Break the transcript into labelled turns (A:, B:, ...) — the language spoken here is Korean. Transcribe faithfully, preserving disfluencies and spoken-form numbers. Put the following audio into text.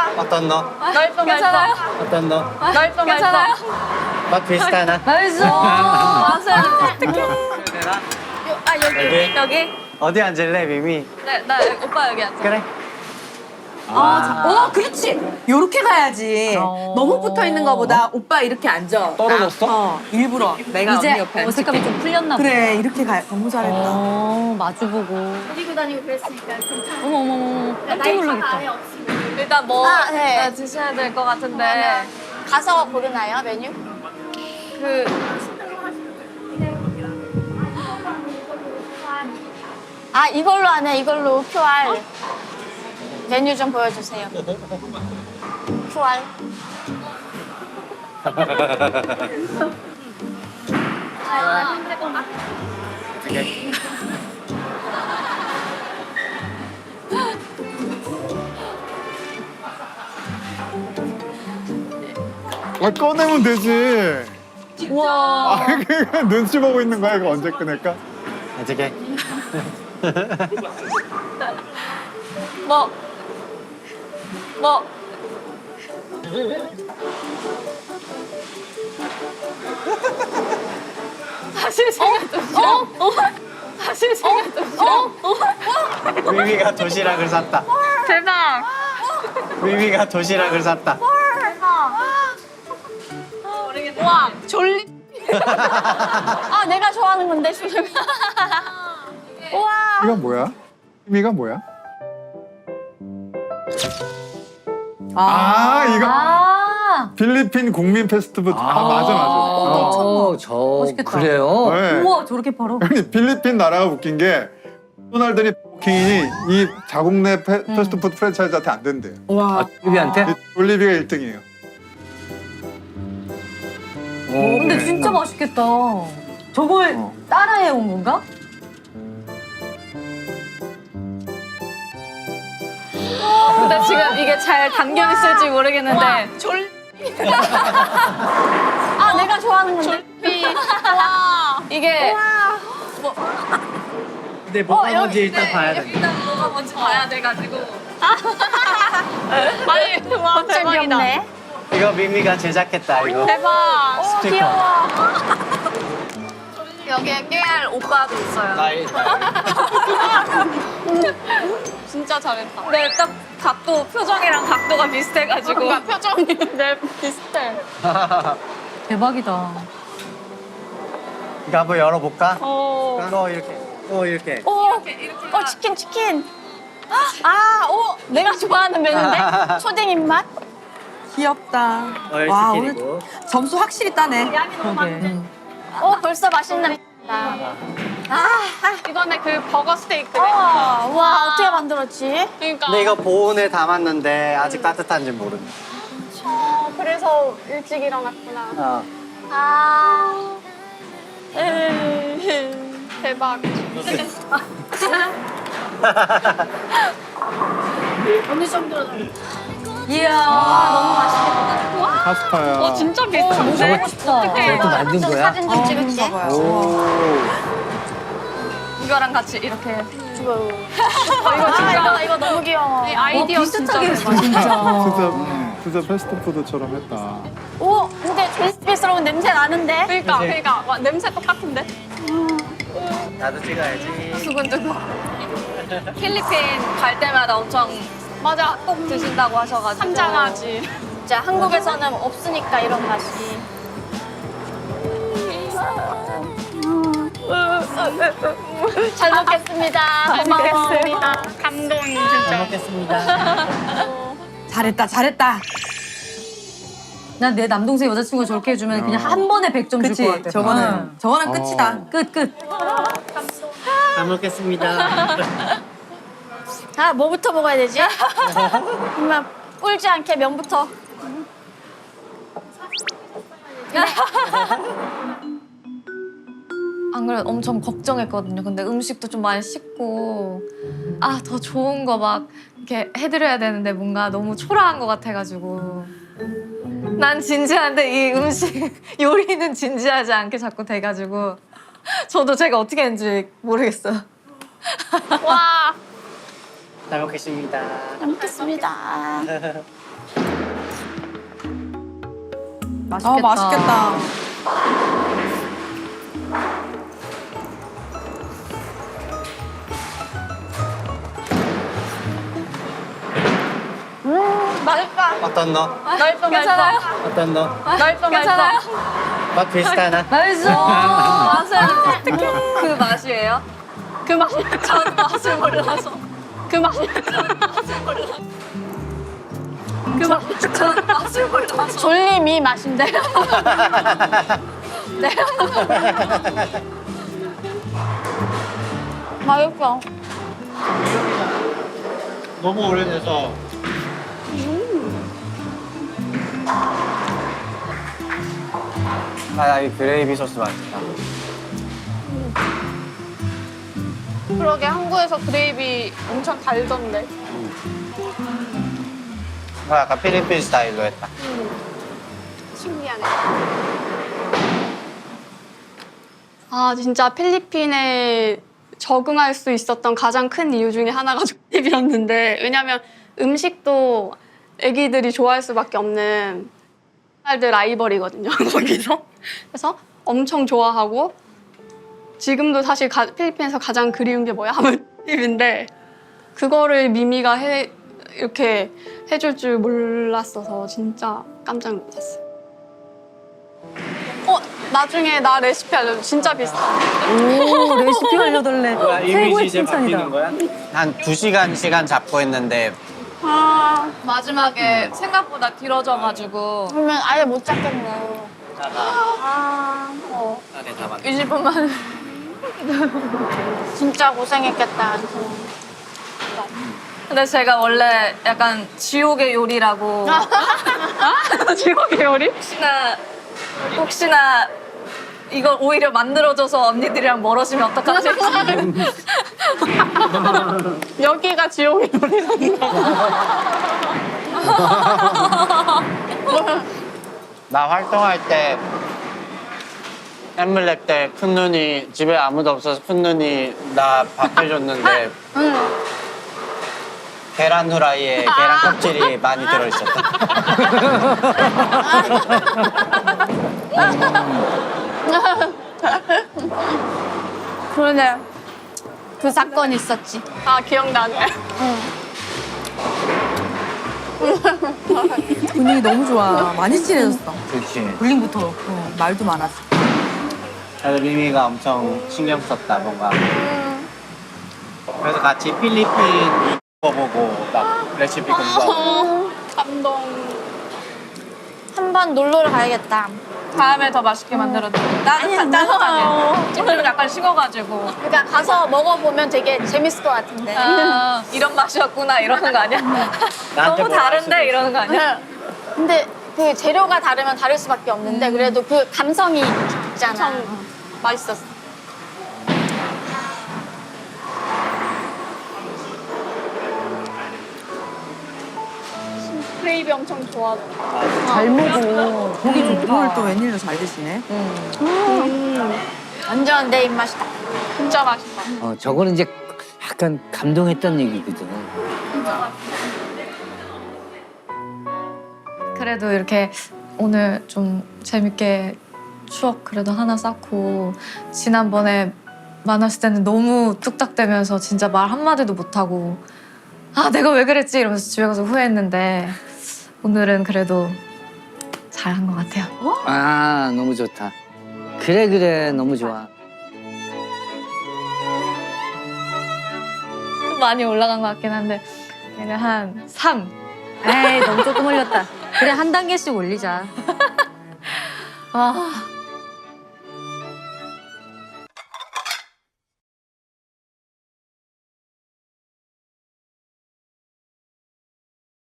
A: 어떤 너?
B: 넓어
C: 괜찮아요?
A: 어떤 너?
B: 넓어
C: 괜찮아요?
A: 맛 비슷하나?
C: 맛있어. 맞아요. 어떡해.
B: 아 여기
A: 여기?
C: 여기?
A: 어디 앉을래, 미미?
C: 네, 나 여기, 오빠 여기 앉아.
A: 그래.
D: 아, 어, 그렇지. 요렇게 가야지.
C: 어.
D: 너무 붙어 있는 거보다 오빠 이렇게 앉아.
A: 떨어졌어?
D: 나, 어, 일부러. 내가
C: 이제
D: 언니 옆에
C: 어색감이
D: 앉을게.
C: 좀 풀렸나 봐.
D: 그래, 이렇게 가. 너무 잘했다.
C: 어, 마주보고.
B: 데리고 다니고 그랬으니까 괜찮아.
C: 어머, 어머, 어머. 깜짝
B: 나이 차가
C: 놀라겠다.
B: 아예 없이.
C: 일단 뭐
B: 아, 네.
C: 네, 드셔야 될 것 같은데.
B: 그러면 가서 고르나요 메뉴?
C: 그,
B: 아 이걸로 하네 이걸로 큐알 메뉴 좀 보여주세요. 큐알.
E: 아, 꺼내면 되지.
C: 우와.
E: 아, 그냥 눈치 보고 있는 거야. 이거 언제 꺼낼까?
A: 어떻게?
C: 뭐, 뭐. 사실 제가 좀 싫어. 사실 제가 좀 싫어.
A: 미미가 도시락을 샀다.
C: 대박.
A: 미미가 도시락을 샀다.
C: 우와, 졸리.
B: 아 내가 좋아하는 건데 지금. 우와.
E: 이건 뭐야? 의미가 뭐야?
D: 아,
E: 아, 이거
C: 아.
E: 필리핀 국민 패스트푸드. 아, 맞아, 맞아. 어.
F: 어, 저
C: 맛있겠다.
F: 그래요?
E: 네.
D: 우와, 저렇게 팔어?
E: 아니, 필리핀 나라가 웃긴 게 맥도날드니 버킹이 이 자국 내 패, 패스트푸드 프랜차이즈한테 안 된대요.
D: 와.
F: 아, 비비한테?
E: 올리비가 일 등이에요.
F: 어,
C: 근데
E: 네.
C: 진짜 맛있겠다. 저걸
E: 어.
C: 따라해 온 건가? 근데 지금 이게 잘 담겨 있을지 모르겠는데 졸
B: 아 내가 좋아하는 건데.
C: 와 이게
A: 근데 뭐가 뭔지 일단 봐야 돼.
C: 일단 뭐가 뭔지 봐야 돼가지고 아니 와
B: 갑자기
C: 대박이다.
B: 귀엽네.
A: 이거 미미가 제작했다, 이거.
C: 대박.
A: 스티커.
B: 귀여워.
C: 여기에 깨알 오빠도 있어요.
A: 나이, 나이.
C: 진짜 잘했다. 근데 딱 각도 표정이랑 각도가 비슷해가지고
B: 그러니까
C: 표정이 내 비슷해. 대박이다.
A: 이거 한번 열어볼까?
C: 어.
A: 또 이렇게, 또 이렇게.
B: 오. 어 치킨 치킨. 아, 오, 내가 좋아하는 메뉴인데 초딩 입맛.
D: 귀엽다.
A: 어,
D: 와,
A: 치킨이고.
D: 오늘 점수 확실히 따네.
C: 그러게.
B: 오, 벌써 맛있는. 아,
C: 이번에 그 버거 스테이크.
B: 어, 와 어떻게 만들었지?
C: 그러니까.
A: 근데 이거 보온에 담았는데 아직 따뜻한지 모르네.
B: 어, 그래서 일찍 일어났구나.
A: 어.
B: 아,
C: 에이, 대박.
B: 어느 정도로?
C: 이야.
B: 너무 맛있겠다.
E: 파스타야.
C: 어 진짜 비슷한데?
F: 저거
C: 싶다.
F: 저것도 만든
B: 좀
F: 거야?
B: 사진 좀 찍을게.
E: 오.
C: 이거랑 같이 이렇게.
B: 이거. 어, 이거 진짜. 이거, 이거 너무 귀여워.
C: 아이디어
D: 비슷하게
C: 진짜
D: 했어, 진짜.
E: 진짜, 진짜 패스트푸드처럼 했다.
B: 오, 근데 졸리스러운 냄새 나는데?
C: 그러니까 그러니까 와, 냄새 똑같은데?
A: 나도 찍어야지.
C: 두근두근. 필리핀 갈 때마다 엄청 맞아 꼭 드신다고 하셔가지고
B: 상장하지. 진짜 한국에서는 없으니까 이런 맛이. 잘 먹겠습니다. 고마웠습니다.
C: 감동이
A: 잘
C: 진짜.
A: 먹겠습니다.
D: 잘했다, 잘했다.
C: 난 내 남동생 여자친구가 저렇게 해주면 그냥 한 번에 백 점 줄
D: 그치?
C: 것 같아.
D: 저거는, 저거는 끝이다.
E: 어.
C: 끝 끝.
A: 잘 먹겠습니다.
B: 아, 뭐부터 먹어야 되지? 정말 꿀지 않게 면부터.
C: 안 그래도 엄청 걱정했거든요. 근데 음식도 좀 많이 씻고 아 더 좋은 거 막 이렇게 해드려야 되는데 뭔가 너무 초라한 것 같아가지고 난 진지한데 이 음식 요리는 진지하지 않게 자꾸 돼가지고 저도 제가 어떻게 했는지 모르겠어요.
B: 와,
A: 잘 먹겠습니다.
B: 잘 먹겠습니다.
C: 맛있겠다.
D: 아 맛있겠다.
B: 맛있다.
A: 어떤 너?
B: 맛있어,
C: 괜찮아요?
B: 맛있어.
A: 어떤 너?
B: 맛있어,
C: 괜찮아요?
B: 맛있어.
A: 맛 비슷하나?
C: 맛있어. 맛은 특히 그 맛이에요?
B: 그 맛이 전 맛을 몰라서. 그 맛이 전 맛을 몰라서. 그 맛이 전 맛을 몰라서. 졸림이 맛인데. 네. 맛있어.
A: 너무 오래돼서. 아, 이 그레이비 소스 맛있다.
B: 그러게 한국에서 그레이비 엄청 달던데.
A: 뭐 약간 필리핀 스타일로 했다.
B: 신기하네. 아 진짜 필리핀에 적응할 수 있었던 가장 큰 이유 중에 하나가 조립이었는데 왜냐면 음식도 애기들이 좋아할 수밖에 없는 딸들 라이벌이거든요 거기서. 그래서 엄청 좋아하고 지금도 사실 가, 필리핀에서 가장 그리운 게 뭐야 하면 조립인데 그거를 미미가 해 이렇게 해줄 줄 몰랐어서 진짜 깜짝 놀랐어요. 어 나중에 나 레시피 알려줘. 진짜 비슷해.
D: 오 레시피 알려달래. 최고의 칭찬이다.
A: 거야? 한 두 시간 시간 잡고 했는데
B: 아
C: 마지막에 생각보다 길어져가지고
B: 그러면 아예 못 잡겠네. 아 어.
A: 안에 다 맞.
C: 이십 분만.
B: 진짜 고생했겠다.
C: 근데 제가 원래 약간 지옥의 요리라고
B: 지옥의 요리?
C: 혹시나 혹시나 이걸 오히려 만들어줘서 언니들이랑 멀어지면 어떡하지?
B: 여기가 지옥의 요리란다.
A: 나 활동할 때 엠블랙 때 큰 눈이 집에 아무도 없어서 큰 눈이 나 밥 해줬는데 계란 후라이에 계란 껍질이 많이 들어있었다.
B: 그러네. 그 사건이 있었지. 아 기억나네.
D: 분위기 너무 좋아. 많이 친해졌어.
F: 그렇지.
D: 볼링부터 어, 말도 많았어.
A: 그래서 미미가 엄청 신경 썼다 뭔가. 그래서 같이 필리핀 이거 보고 막 레시피 공부하고.
B: 감동.
G: 한 번 놀러를 가야겠다.
C: 다음에 더 맛있게 만들어줘. 따뜻한 따뜻하게. 찜질은 약간 식어가지고.
G: 그러니까 가서 먹어보면 되게 재밌을 것 같은데.
C: 아, 이런 맛이었구나 이러는 거 아니야?
A: 나한테
C: 너무
A: 뭐라 할 수도
C: 다른데
A: 있어.
C: 이러는 거 아니야?
G: 근데 그 재료가 다르면 다를 수밖에 없는데 그래도 그 감성이 있잖아.
B: 엄청 맛있었어. 크레이비 엄청 좋아하더라.
D: 잘 먹어. 고기 좋다. 오늘 또 웬일로 잘 드시네.
G: 완전 내 입맛이다.
B: 진짜 맛있다.
F: 어, 저거는 이제 약간 감동했던 얘기거든.
C: 그래도 이렇게 오늘 좀 재밌게 추억 그래도 하나 쌓고 지난번에 만났을 때는 너무 뚝딱대면서 진짜 말 한마디도 못하고 아 내가 왜 그랬지 이러면서 집에 가서 후회했는데 오늘은 그래도 잘한 것 같아요.
F: 아, 너무 좋다. 그래, 그래. 너무 좋아.
C: 좀 많이 올라간 것 같긴 한데 그냥 한 삼.
D: 에이 너무 조금 올렸다. 그래 한 단계씩 올리자.
C: 아